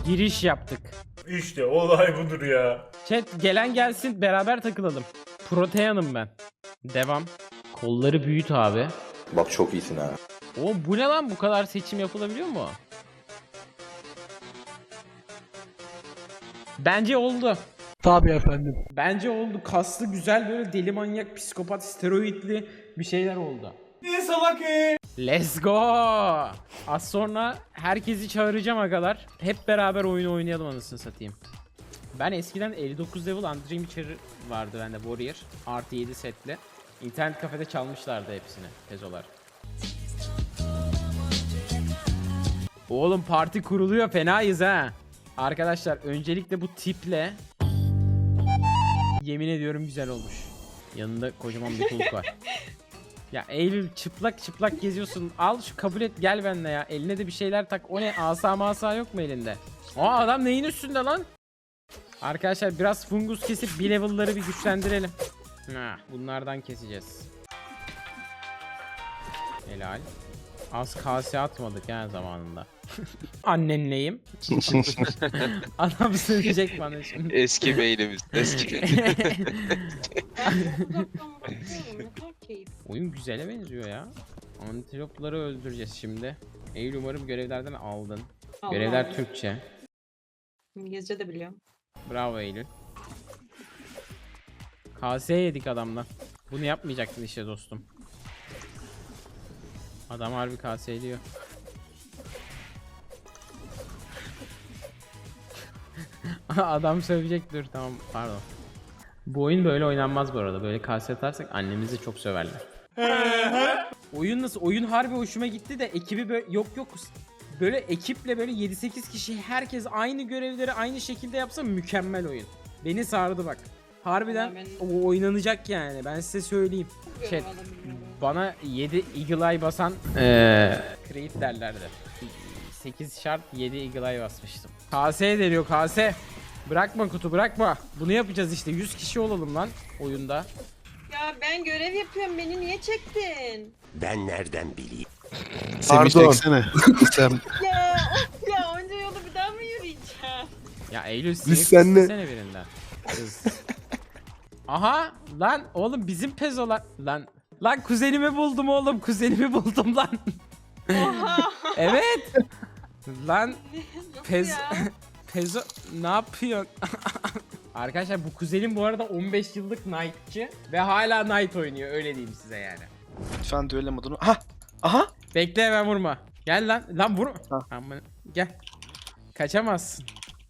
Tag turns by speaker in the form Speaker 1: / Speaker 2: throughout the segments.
Speaker 1: Giriş yaptık.
Speaker 2: İşte olay budur ya.
Speaker 1: Chat gelen gelsin beraber takılalım. Proteanım ben. Devam. Kolları büyüt abi.
Speaker 3: Bak çok iyisin ha.
Speaker 1: O bu ne lan, bu kadar seçim yapılabiliyor mu? Bence oldu.
Speaker 4: Tabii efendim.
Speaker 1: Bence oldu. Kaslı, güzel, böyle deli manyak, psikopat, steroidli bir şeyler oldu.
Speaker 2: Ne salak
Speaker 1: Let's go. Az sonra herkesi çağıracağım agalar. Hep beraber oyunu oynayalım anasını satayım. Ben eskiden 59 level Undreamer vardı bende, Warrior. Artı 7 setli. İnternet kafede çalmışlardı hepsini pezolar. Oğlum parti kuruluyor, fenayız ha. Arkadaşlar öncelikle bu tiple yemin ediyorum güzel olmuş. Yanında kocaman bir kulp var. Ya Eylül çıplak çıplak geziyorsun. Al şu, kabul et, gel benimle ya. Eline de bir şeyler tak. O ne, asa masa yok mu elinde? Aa, adam neyin üstünde lan? Arkadaşlar biraz fungus kesip bir level'ları bir güçlendirelim. Bunlardan keseceğiz. Helal. Az kase atmadık ya zamanında. Annenleyim. Adam söyleyecek bana şimdi.
Speaker 5: Eski beynimiz. Eski.
Speaker 1: Oyun güzele benziyor ya. Antilopları öldüreceğiz şimdi. Eylül umarım görevlerden aldın.
Speaker 6: Allah
Speaker 1: Görevler
Speaker 6: Allah.
Speaker 1: Türkçe.
Speaker 6: İngilizce de biliyorum.
Speaker 1: Bravo Eylül. KS yedik adamdan. Bunu yapmayacaktın işte dostum. Adam harbi KS ediyor. Adam sövecek, dur tamam, pardon. Bu oyun böyle oynanmaz bu arada. Böyle KS atarsak annemizi çok söverler. Oyun nasıl? Oyun harbi hoşuma gitti de ekibi böyle yok böyle ekiple böyle 7-8 kişi herkes aynı görevleri aynı şekilde yapsa mükemmel oyun. Beni sardı bak. Harbiden
Speaker 6: Vallahi
Speaker 1: o oynanacak yani, ben size söyleyeyim. Chat, bana 7 Eagle Eye basan Creed derlerdi. 8 şart 7 Eagle Eye basmıştım. KS deniyor, KS. Bırakma kutu, bırakma. Bunu yapacağız işte, 100 kişi olalım lan oyunda.
Speaker 6: Ya ben görev yapıyorum, beni niye çektin?
Speaker 7: Ben nereden bileyim?
Speaker 4: Pardon. Sen.
Speaker 6: Ya of ya, onca yolu bir daha mı yürüyeceğim?
Speaker 1: Ya Eylül
Speaker 4: Biz seninle-
Speaker 1: istesene birinden. Kız. Aha lan oğlum, bizim pezolar lan. Lan kuzenimi buldum oğlum, kuzenimi buldum lan.
Speaker 6: Oha.
Speaker 1: Evet. Lan
Speaker 6: Nasıl
Speaker 1: pez
Speaker 6: ya?
Speaker 1: pezo ne yapıyorsun? Arkadaşlar bu kuzenim bu arada 15 yıllık Knight'çı ve hala Knight oynuyor, öyle diyeyim size yani.
Speaker 4: Lütfen düello modunu. Aha.
Speaker 1: Bekle, hemen vurma. Gel lan. Lan vur.
Speaker 4: Ha.
Speaker 1: Aman, gel. Kaçamazsın.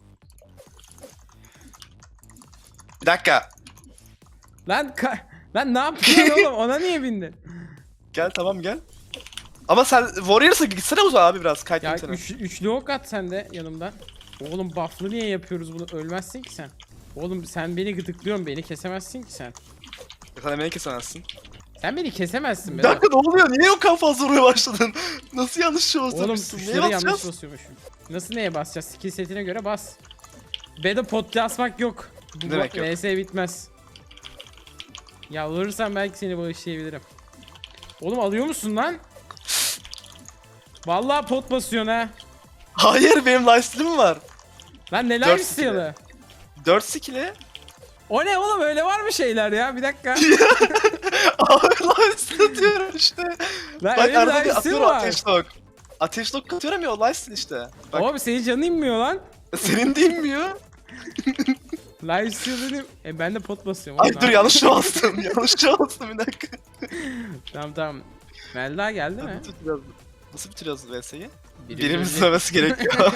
Speaker 4: Bir dakika.
Speaker 1: Lan lan ne yapıyorsun oğlum? Ona niye bindin?
Speaker 4: Gel tamam gel. Ama sen Warriors'a gitsene uzağa abi biraz.
Speaker 1: Ya
Speaker 4: Kayıtlayayım seni.
Speaker 1: üçlü ok at sen de yanımdan. Oğlum buff'lı niye yapıyoruz bunu? Ölmezsin ki sen. Oğlum sen beni gıdıklıyorsun, beni kesemezsin ki sen.
Speaker 4: Sen emeği kesemezsin.
Speaker 1: Sen beni kesemezsin
Speaker 4: Bir
Speaker 1: be.
Speaker 4: dakika ne oluyor? Niye o kadar fazla vurmaya başladın? Nasıl yanlış şey
Speaker 1: Oğlum
Speaker 4: basıyormuşsun? Neye
Speaker 1: tuşları yanlış
Speaker 4: basacağız?
Speaker 1: basıyormuşum. Nasıl neye basacağız? Skill setine göre bas. B'de pot basmak yok. Bu
Speaker 4: Ne demek yok?
Speaker 1: VS bitmez. Yalvarırsan belki seni bağışlayabilirim. Oğlum alıyor musun lan? Vallahi pot basıyorsun ha.
Speaker 4: Hayır benim lifesteal'im var.
Speaker 1: Lan neler
Speaker 4: 4
Speaker 1: istiyorlar?
Speaker 4: 4 skill'e.
Speaker 1: O ne oğlum, öyle var mı şeyler ya? Bir dakika.
Speaker 4: Abi lifesteal atıyorum işte.
Speaker 1: Lan
Speaker 4: Bak
Speaker 1: öyle bir
Speaker 4: arada bir
Speaker 1: lifesteal
Speaker 4: atıyorum
Speaker 1: var.
Speaker 4: ateş lock. Ateş lock atıyorum ya o lifesteal işte. Bak
Speaker 1: Oğlum senin canın inmiyor lan.
Speaker 4: senin de inmiyor.
Speaker 1: Lifesteal dedim. Ben de pot basıyorum.
Speaker 4: Ay
Speaker 1: oğlum,
Speaker 4: dur
Speaker 1: ne
Speaker 4: yanlış bastım. Yanlış bastım bir dakika.
Speaker 1: Tamam. Melda geldi mi?
Speaker 4: Nasıl bitiriyoruz VS'yi?
Speaker 1: Biri
Speaker 4: Birimiz
Speaker 1: birini-
Speaker 4: söylemesi gerekiyor.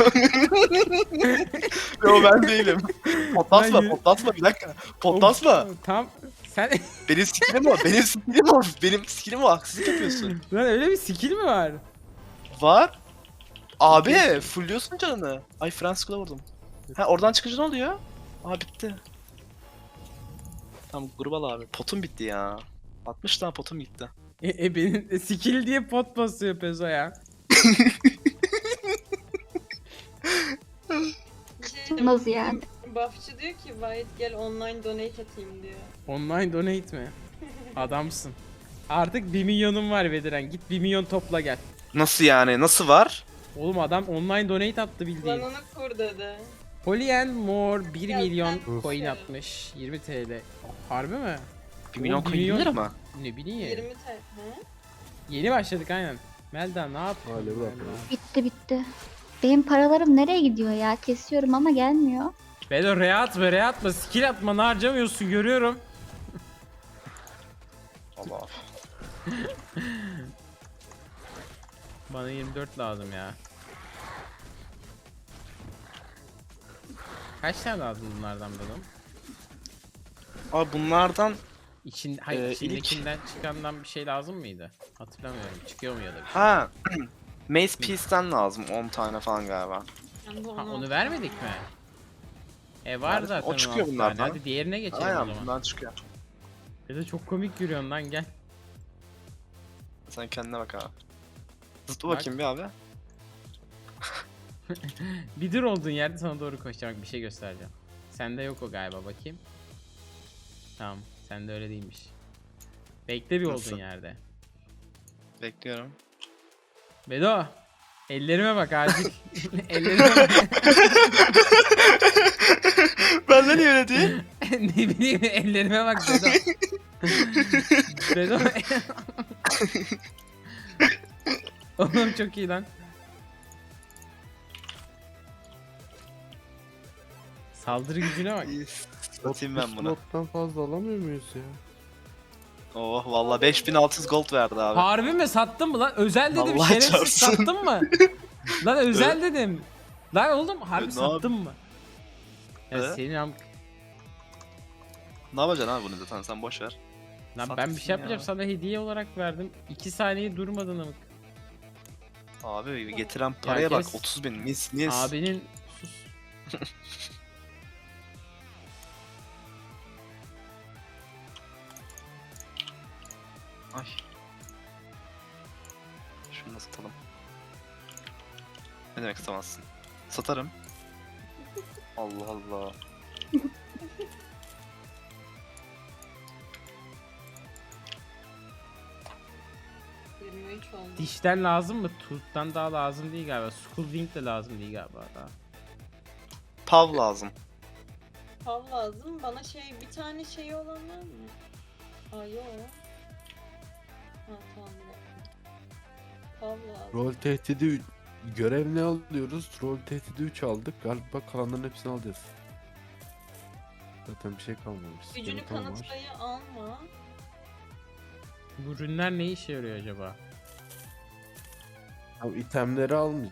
Speaker 4: Yo ben değilim. Potlatma,
Speaker 1: Ben-
Speaker 4: potlatma bir dakika. Potlatma.
Speaker 1: Tam sen
Speaker 4: Benim skillim o, benim skillim o. Benim skillim o, haksızlık yapıyorsun.
Speaker 1: lan öyle bir skill mi var?
Speaker 4: Var. Abi, fullliyorsun canını. Ay Franskula vurdum. Ha oradan çıkınca ne oluyor? Aa bitti. Tamam gruba al abi. Potum bitti ya. 60 tane potum gitti.
Speaker 1: Benim skill diye pot basıyor Pezo ya.
Speaker 8: Nasıl yani?
Speaker 6: Buffçı diyor ki Vahit gel online donate atayım diyor.
Speaker 1: Online donate mi? Adamsın. Artık 1 milyonum var Bediren. Git 1 milyon topla gel.
Speaker 4: Nasıl yani? Nasıl var?
Speaker 1: Oğlum adam online donate attı bildiğin.
Speaker 6: Lan onu kur dedi.
Speaker 1: Polyen More 1
Speaker 6: Ya
Speaker 1: milyon
Speaker 6: sen-
Speaker 1: coin atmış. 20 TL. Harbi mi?
Speaker 4: 1 milyon
Speaker 1: Oğlum,
Speaker 4: coin gelir ama.
Speaker 1: Ne bileyim.
Speaker 6: 20 TL. He?
Speaker 1: Yeni başladık aynen. Melda ne yapıyorsun?
Speaker 3: Hadi bırak
Speaker 1: Melda?
Speaker 8: Bitti. Benim paralarım nereye gidiyor ya? Kesiyorum ama gelmiyor.
Speaker 1: Bedo re atma, skill atma, harcamıyorsun görüyorum.
Speaker 4: Allah.
Speaker 1: Bana 24 lazım ya. Kaç tane lazım bunlardan Bedo?
Speaker 4: Abi bunlardan
Speaker 1: Hayır,
Speaker 4: ilk-
Speaker 1: içindekinden çıkandan bir şey lazım mıydı? Hatırlamıyorum. Çıkıyor mu ya da bir şey?
Speaker 4: ha Mace Piece'ten lazım 10 tane falan galiba.
Speaker 6: Ben de
Speaker 1: Ha, onu
Speaker 6: aldım.
Speaker 1: vermedik mi? Var
Speaker 4: Verdik.
Speaker 1: zaten
Speaker 4: O çıkıyor
Speaker 1: 16
Speaker 4: bunlardan.
Speaker 1: tane. Hadi diğerine geçelim o
Speaker 4: Aynen
Speaker 1: zaman.
Speaker 4: bundan çıkıyor.
Speaker 1: Bedo çok komik yürüyorsun lan gel.
Speaker 4: Sen kendine bak abi. Zıpla
Speaker 1: Bak.
Speaker 4: bakayım bir abi.
Speaker 1: Bir dur olduğun yerde sana doğru koşacağım. Bak, bir şey göstereceğim. Sende yok o galiba, bakayım. Tamam, sende öyle değilmiş. Bekle bir
Speaker 4: Nasıl?
Speaker 1: olduğun yerde.
Speaker 4: Bekliyorum.
Speaker 1: Bedo, ellerime bak acil. Ellerime bak.
Speaker 4: Benden niye öyle değil?
Speaker 1: Ne bileyim, ellerime bak Bedo. Bedo. Oğlum çok iyi lan. Saldırı gücüne bak.
Speaker 4: Satayım ben bunu.
Speaker 3: Slottan fazla alamıyor muyuz ya?
Speaker 4: Oh valla 5600 gold verdi abi.
Speaker 1: Harbi mi, sattın mı lan? Özel dedim,
Speaker 4: Vallahi
Speaker 1: şerefsiz,
Speaker 4: çarpsın.
Speaker 1: sattın mı? Lan özel dedim. Lan oğlum harbi
Speaker 4: Ne
Speaker 1: sattın mı? Ya
Speaker 4: Evet.
Speaker 1: senin
Speaker 4: Ne yapacaksın abi bunu zaten sen boş ver.
Speaker 1: Lan ben bir
Speaker 4: Sattın
Speaker 1: şey yapacağım,
Speaker 4: ya.
Speaker 1: sana hediye olarak verdim. 2 saniye durmadın amık.
Speaker 4: Abi getiren paraya bak
Speaker 1: kes.
Speaker 4: 30 bin mis.
Speaker 1: Abinin sus.
Speaker 4: Ay. Şunu da satalım. Ne demek satamazsın? Satarım. Allah Allah.
Speaker 6: Hı. 23 oldu.
Speaker 1: Dişten lazım mı? Tooth'tan daha lazım değil galiba. Skull Wing de lazım değil galiba daha.
Speaker 4: Pav lazım.
Speaker 6: Pav lazım. Bana bir tane şeyi olan var mı? Aa yok. Ha tamam bir dakika. Pav lazım.
Speaker 3: Rol tehdidi görev ne alıyoruz? Rol tehdidi 3 aldık. Galiba kalanların hepsini alacağız. Zaten bir şey kalmamış.
Speaker 6: Gücünü
Speaker 3: Skeleton var.
Speaker 6: kanıtlayı alma.
Speaker 1: Bu ürünler ne işe yarıyor acaba?
Speaker 3: Abi itemleri almayacağız.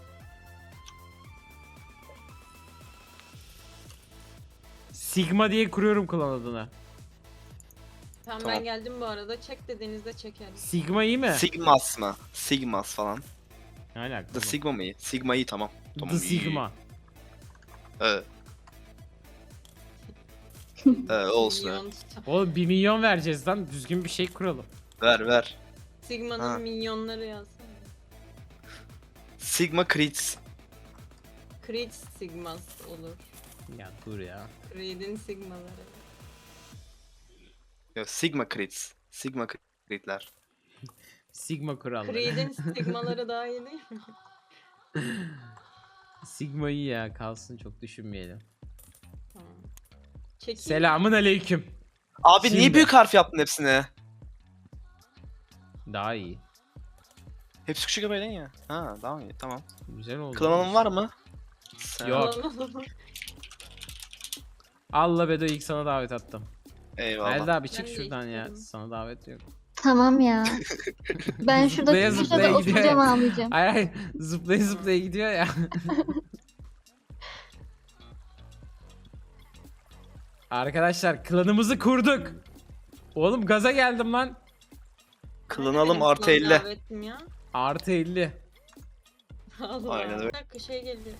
Speaker 1: Sigma diye kuruyorum klan adını.
Speaker 6: Tamam,
Speaker 4: Tamam.
Speaker 6: ben geldim bu arada. Çek dediğinizde çekerim.
Speaker 1: Sigma iyi mi?
Speaker 4: Sigmas mı? Sigmas falan.
Speaker 1: Ne alaka?
Speaker 4: The Sigma mı iyi? Sigma iyi tamam. Tamam
Speaker 1: The
Speaker 4: iyi.
Speaker 1: Sigma.
Speaker 4: Evet. Olsun.
Speaker 6: Minyon.
Speaker 1: Oğlum 1 milyon vereceğiz lan. Düzgün bir şey kuralım.
Speaker 4: Ver.
Speaker 6: Sigma'nın
Speaker 4: Ha.
Speaker 6: minyonları yazsana.
Speaker 4: Sigma Crits.
Speaker 6: Creed Sigmas olur.
Speaker 1: Ya dur ya.
Speaker 6: Creed'in Sigmaları.
Speaker 4: Yok Sigma Crits. Sigma Crit'ler.
Speaker 1: Sigma kuralları.
Speaker 6: Creed'in Sigmaları daha iyi değil mi?
Speaker 1: Sigma iyi ya, kalsın, çok düşünmeyelim.
Speaker 6: Tamam. Çekeyim.
Speaker 1: Selamın aleyküm.
Speaker 4: Abi
Speaker 1: Şimdi.
Speaker 4: niye büyük harf yaptın hepsine?
Speaker 1: Daha iyi.
Speaker 4: Hepsi küçük haberin ya. Ha tamam iyi tamam.
Speaker 1: Güzel oldu.
Speaker 4: Klanın var mı? Sen-
Speaker 1: Yok. Allah Bedo, ilk sana davet attım.
Speaker 4: Eyvallah.
Speaker 1: Melda abi
Speaker 6: Ben
Speaker 1: çık
Speaker 6: de
Speaker 1: şuradan ya.
Speaker 6: istiyorum.
Speaker 1: Sana davet yok.
Speaker 8: Tamam ya. Ben şurada
Speaker 1: Zıplaya
Speaker 8: köşede
Speaker 1: zıplaya gidiyor
Speaker 8: oturacağım
Speaker 1: ya.
Speaker 8: ağlayacağım.
Speaker 1: Hayır hayır, zıplaya zıplaya gidiyor ya. Arkadaşlar klanımızı kurduk. Oğlum gaza geldim lan.
Speaker 4: Klanalım
Speaker 6: Benim
Speaker 4: artı
Speaker 6: klan
Speaker 4: 50.
Speaker 6: davetim ya.
Speaker 1: Artı 50.
Speaker 6: Allah.
Speaker 4: Aynen öyle.
Speaker 6: Bir dakika geliyor.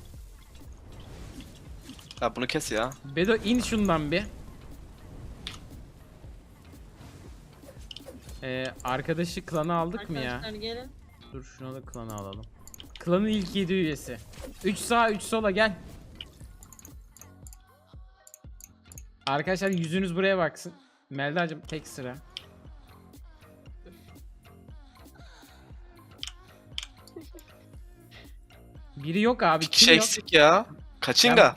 Speaker 4: Ya bunu kes ya.
Speaker 1: Bedo in şundan bir. Arkadaşı klana aldık mı ya?
Speaker 6: Arkadaşlar gelin.
Speaker 1: Dur şuna da klanı alalım. Klanın ilk 7 üyesi. 3 sağa 3 sola gel. Arkadaşlar yüzünüz buraya baksın. Melda'cığım tek sıra. Biri yok abi.
Speaker 4: Bir
Speaker 1: Kim
Speaker 4: kişi
Speaker 1: yok?
Speaker 4: eksik ya. Kaçinga.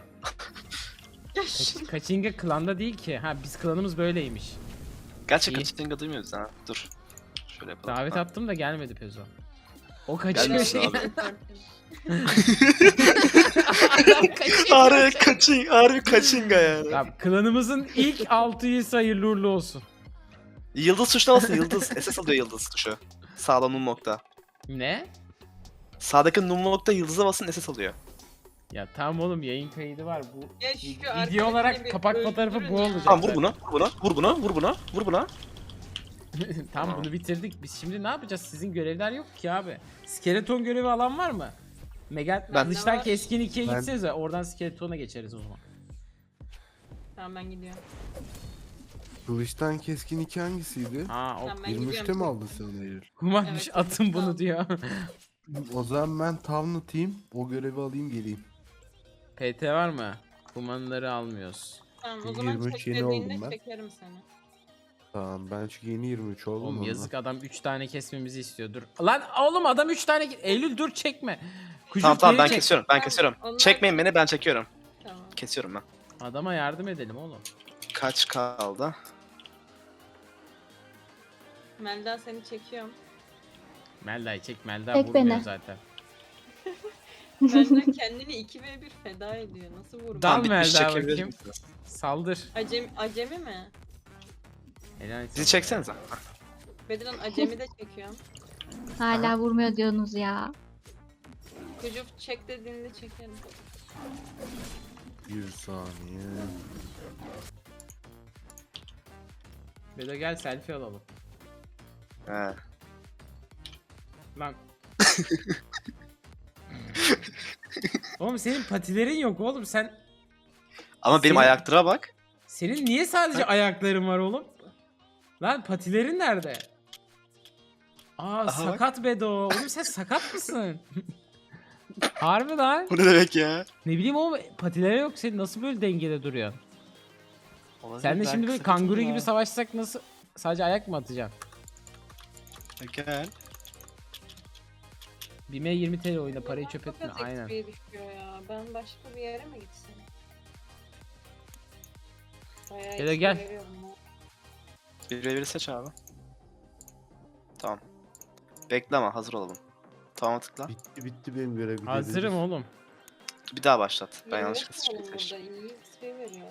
Speaker 1: Kaçinga klanda değil ki. Ha biz klanımız böyleymiş.
Speaker 4: Gerçi
Speaker 1: İyi.
Speaker 4: Kaçinga duymuyoruz ha. Dur. Şöyle yapalım.
Speaker 1: Davet
Speaker 4: Ha.
Speaker 1: attım da gelmedi Pezo. O kaçıyor
Speaker 4: Gelmesin
Speaker 1: şey.
Speaker 4: abi.
Speaker 1: Adam kaçıyor.
Speaker 4: Harbi Kaçinga yani.
Speaker 1: Ya, klanımızın ilk 6 üyesi hayırlı uğurlu olsun.
Speaker 4: Yıldız tuşuna basın Yıldız. SS alıyor Yıldız tuşu. Sağda num nokta.
Speaker 1: Ne?
Speaker 4: Sağdaki num nokta Yıldız'a basın SS alıyor.
Speaker 1: Ya tamam oğlum yayın kaydı var bu.
Speaker 6: Ya şu
Speaker 1: Video
Speaker 6: arkadakini
Speaker 1: olarak
Speaker 6: bir
Speaker 1: kapak fotoğrafı bu
Speaker 6: öldürün ya.
Speaker 1: olacak.
Speaker 4: Tamam vur buna, vur buna, vur buna, vur buna, vur buna.
Speaker 1: Tamam bunu bitirdik. Biz şimdi ne yapacağız? Sizin görevler yok ki abi. Skeleton görevi alan var mı? Mega
Speaker 4: Ben-
Speaker 1: dıştan
Speaker 6: var.
Speaker 1: keskin 2'ye
Speaker 3: Ben-
Speaker 1: gitsenize oradan skeletona geçeriz o zaman.
Speaker 6: Tamam ben gidiyorum.
Speaker 3: Kılıçtan keskin 2 hangisiydi?
Speaker 1: Ha o
Speaker 6: Tamam ben
Speaker 3: 23'te
Speaker 6: gidiyorum.
Speaker 3: mi aldın sen onu Eylül?
Speaker 1: kumarmış
Speaker 6: Evet,
Speaker 1: atın bunu
Speaker 6: tamam.
Speaker 1: diyor.
Speaker 3: O zaman ben Town atayım. O görevi alayım geleyim.
Speaker 1: PT var mı? Kumanları almıyoruz.
Speaker 6: Tamam o zaman
Speaker 3: 23 yeni
Speaker 6: çekmediğinde
Speaker 3: oldum ben.
Speaker 6: çekerim seni.
Speaker 3: Tamam ben çünkü yeni 23 oldum.
Speaker 1: Oğlum
Speaker 3: ondan.
Speaker 1: yazık adam 3 tane kesmemizi istiyor. Dur. Lan oğlum adam 3 tane Eylül dur çekme. Kucuk
Speaker 4: Tamam tamam
Speaker 1: geri
Speaker 4: ben
Speaker 1: çek.
Speaker 4: kesiyorum, ben
Speaker 6: Tamam,
Speaker 4: kesiyorum.
Speaker 6: onlar-
Speaker 4: Çekmeyin beni, ben çekiyorum.
Speaker 6: Tamam.
Speaker 4: Kesiyorum ben.
Speaker 1: Adama yardım edelim oğlum.
Speaker 4: Kaç kaldı?
Speaker 6: Melda seni çekiyorum.
Speaker 1: Melda'yı çek Melda
Speaker 8: Çek
Speaker 1: vurmuyor
Speaker 8: beni.
Speaker 1: zaten.
Speaker 6: Melda kendini 2v1 feda ediyor. Nasıl vurmuyor?
Speaker 1: Dal
Speaker 4: Tamam, bitmiş,
Speaker 1: Melda
Speaker 4: çekebilir
Speaker 1: bakayım.
Speaker 4: misiniz?
Speaker 1: Saldır.
Speaker 6: Acemi mi?
Speaker 1: Helal
Speaker 4: Sizi
Speaker 1: sana.
Speaker 4: çeksenize.
Speaker 6: Bedran acemi de çekiyorum.
Speaker 8: Hala vurmuyor diyorsunuz ya.
Speaker 6: Kucuk çek dediğinde çekerim.
Speaker 3: Bir saniye.
Speaker 1: Bedo gel selfie alalım.
Speaker 4: He.
Speaker 1: Lan. Oğlum senin patilerin yok oğlum sen.
Speaker 4: Ama benim
Speaker 1: Senin-
Speaker 4: ayaktıra bak.
Speaker 1: Senin niye sadece ayakların var oğlum? Lan patilerin nerede? Aa
Speaker 4: Aha bak.
Speaker 1: sakat Bedo. Oğlum sen sakat mısın? Harbi lan.
Speaker 4: Bu ne demek ya?
Speaker 1: Ne bileyim oğlum patileri yok senin nasıl böyle dengede duruyorsun? Sen de
Speaker 4: Ben
Speaker 1: şimdi böyle
Speaker 4: kısa
Speaker 1: kanguru
Speaker 4: kısa
Speaker 1: gibi
Speaker 4: ya.
Speaker 1: savaşsak nasıl sadece ayak mı atacaksın?
Speaker 4: Gel.
Speaker 1: Bime 20 TL oyna parayı çöp
Speaker 6: Çok
Speaker 1: etme
Speaker 6: az
Speaker 1: aynen.
Speaker 6: XP düşüyor ya. Ben başka bir yere mi gitsem? Bayağı
Speaker 1: Gel,
Speaker 6: XP
Speaker 1: gel.
Speaker 6: veriyorum ya.
Speaker 4: Bir seç abi. Tamam. Bekle ama hazır olalım. Tamam tıkla.
Speaker 3: Bitti benim görev.
Speaker 1: Hazırım oğlum.
Speaker 4: Bir daha başlat. Ben
Speaker 6: Yirmi
Speaker 4: yanlışlıkla
Speaker 6: beş mi oğlum
Speaker 4: seçtim.
Speaker 6: burada? İyi XP veriyor.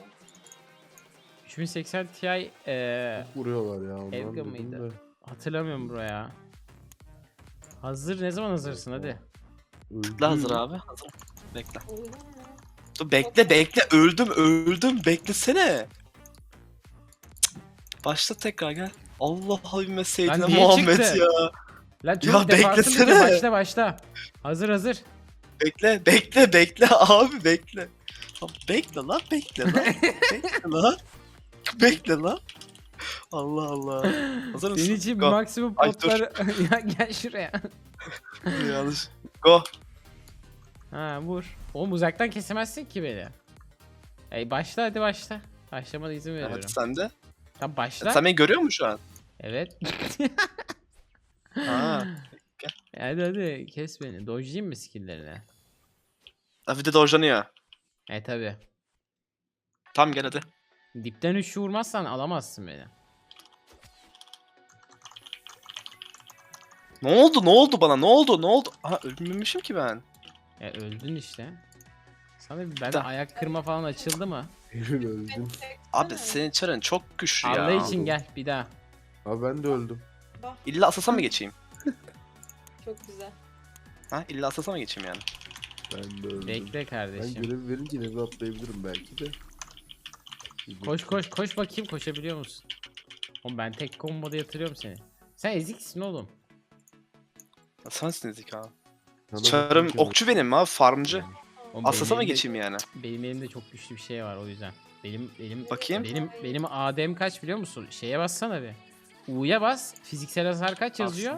Speaker 1: 3080 Ti
Speaker 3: Vuruyorlar ya ondan
Speaker 1: Evga
Speaker 3: dedim
Speaker 1: mıydı?
Speaker 3: de.
Speaker 1: hatırlamıyorum buraya. Hazır ne zaman hazırsın hadi.
Speaker 4: Tıkla hazır abi. Hazır. Bekle.
Speaker 6: Olur mu?
Speaker 4: Dur bekle. Öldüm. Beklesene. Cık. Başla tekrar gel. Allah habime seyyidine
Speaker 1: Lan niye
Speaker 4: Muhammed
Speaker 1: çıktı?
Speaker 4: ya.
Speaker 1: Lan
Speaker 4: Ya
Speaker 1: çok defansın
Speaker 4: beklesene.
Speaker 1: bitiyor. Başla. Hazır.
Speaker 4: Bekle abi bekle. Lan bekle lan. Bekle lan. Allah Allah. Hazır mısın?
Speaker 1: Senin için
Speaker 4: Go.
Speaker 1: maksimum
Speaker 4: Ay, dur.
Speaker 1: potları... ya gel şuraya.
Speaker 4: Yanlış. Go.
Speaker 1: Ha vur. Oğlum uzaktan kesemezsin ki beni. Başla hadi başla. Başlamada izin veriyorum.
Speaker 4: Evet sen de.
Speaker 1: Tamam başla.
Speaker 4: Sen beni görüyor musun şu an?
Speaker 1: Evet.
Speaker 4: Ha.
Speaker 1: hadi kes beni. Dojlayayım mı skill'lerini?
Speaker 4: Bir de dojlanıyor.
Speaker 1: Tabi.
Speaker 4: Tamam gel hadi.
Speaker 1: Dipten 3 vurmazsan alamazsın beni.
Speaker 4: Ne oldu bana? Ne oldu? Aha ölmemişim ki ben.
Speaker 1: Öldün işte. Sana bir ben
Speaker 4: Da.
Speaker 1: ayak kırma falan açıldı mı?
Speaker 3: Eylül öldüm.
Speaker 6: Beni çeksene.
Speaker 4: Abi senin çarın çok güçlü ya.
Speaker 1: Allah için gel bir daha.
Speaker 3: Abi ben de öldüm.
Speaker 6: Bak
Speaker 4: İlla asasa mı geçeyim?
Speaker 6: çok güzel.
Speaker 4: Ha illa asasa mı geçeyim yani?
Speaker 3: Ben de öldüm.
Speaker 1: Bekle
Speaker 3: Ben
Speaker 1: kardeşim.
Speaker 3: görev verince eve atlayabilirim belki de.
Speaker 1: Koş bakayım koşabiliyor musun? Oğlum ben tek komboda yatırıyorum seni. Sen eziksin oğlum.
Speaker 4: Sensin dedik abi.
Speaker 3: Sana
Speaker 4: Çarım
Speaker 3: bakınca
Speaker 4: okçu benim abi farmcı.
Speaker 1: Oğlum
Speaker 4: Asasa mı
Speaker 1: benim elimde-
Speaker 4: geçeyim yani?
Speaker 1: Benim elimde çok güçlü bir şey var o yüzden. Benim
Speaker 4: Bakayım.
Speaker 1: benim AD'm kaç biliyor musun? Şeye bassana bir. U'ya bas. Fiziksel hasar kaç yazıyor?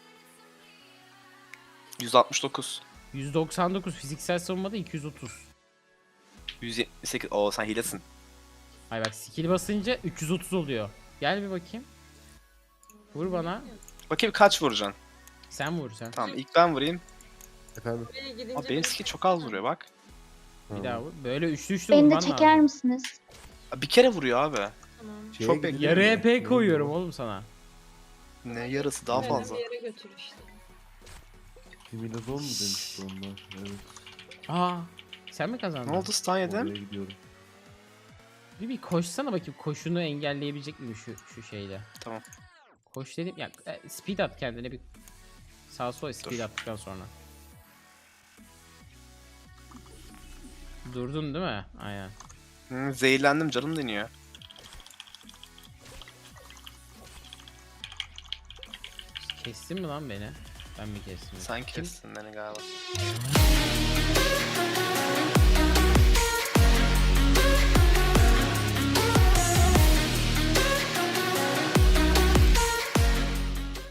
Speaker 4: 169.
Speaker 1: 199. Fiziksel savunmada 230.
Speaker 4: 178. Oo sen hilesin.
Speaker 1: Ay bak skill basınca 330 oluyor. Gel bir bakayım. Vur bana.
Speaker 4: Bakayım kaç vuracaksın?
Speaker 1: Sen vur sen.
Speaker 4: Tamam ilk ben vurayım.
Speaker 3: Efendim.
Speaker 6: Buraya gidince
Speaker 4: Abi benim skill çok az vuruyor bak.
Speaker 1: Bir daha vur. Böyle üçlü üçlü
Speaker 8: Beni de
Speaker 1: vurman
Speaker 8: çeker
Speaker 1: lazım.
Speaker 8: misiniz?
Speaker 4: Abi bir kere vuruyor abi.
Speaker 6: Tamam.
Speaker 3: Şeye
Speaker 4: Çok
Speaker 3: gidelim
Speaker 1: Yarı
Speaker 3: mi?
Speaker 1: EP koyuyorum oğlum sana.
Speaker 4: Ne yarısı daha
Speaker 6: Beni
Speaker 4: fazla.
Speaker 6: bir yere götür işte.
Speaker 3: Similazon mu demişti onlar? Evet.
Speaker 1: Aa, sen mi kazandın?
Speaker 4: Ne oldu stun yedim?
Speaker 3: Oraya gidiyorum.
Speaker 1: Bir koşsana bakayım, koşunu engelleyebilecek mi şu şeyle?
Speaker 4: Tamam.
Speaker 1: Koş dedim ya, speed at kendine bir. Sağ sol speed attıktan sonra. Durdun değil mi? Aynen.
Speaker 4: Zehirlendim canım deniyor.
Speaker 1: Kestin mi lan beni? Ben mi kestim?
Speaker 4: Sen
Speaker 1: Kim?
Speaker 4: kestin beni galiba.